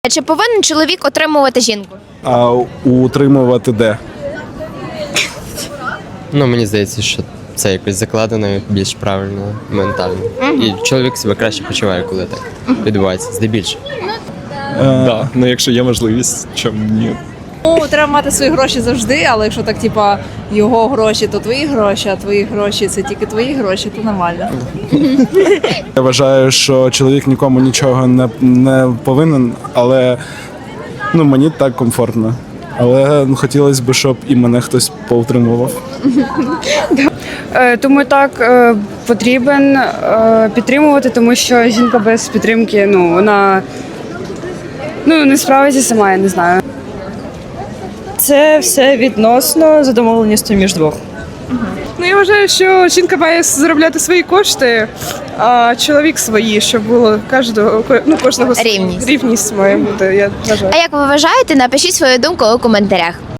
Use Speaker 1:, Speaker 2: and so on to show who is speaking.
Speaker 1: Чи повинен чоловік отримувати жінку?
Speaker 2: А утримувати де?
Speaker 3: Ну, мені здається, що це якось закладено більш правильно, ментально. І чоловік себе краще почуває, коли так відбувається, здебільшого.
Speaker 4: Да, ну якщо є можливість, чому ні?
Speaker 5: Ну, треба мати свої гроші завжди, але якщо так, типа, його гроші, то твої гроші, а твої гроші це тільки твої гроші, то нормально.
Speaker 2: Я вважаю, що чоловік нікому нічого не повинен, але мені так комфортно. Але хотілося б, щоб і мене хтось поутримував.
Speaker 6: Тому так потрібен підтримувати, тому що жінка без підтримки, вона не справиться сама, я не знаю.
Speaker 7: Це все відносно за домовленістю між двох.
Speaker 8: Ну, я вважаю, що жінка має заробляти свої кошти, а чоловік свої, щоб було кожного
Speaker 1: Рівність.
Speaker 8: рівність має бути, я вважаю.
Speaker 1: А як ви вважаєте, напишіть свою думку у коментарях.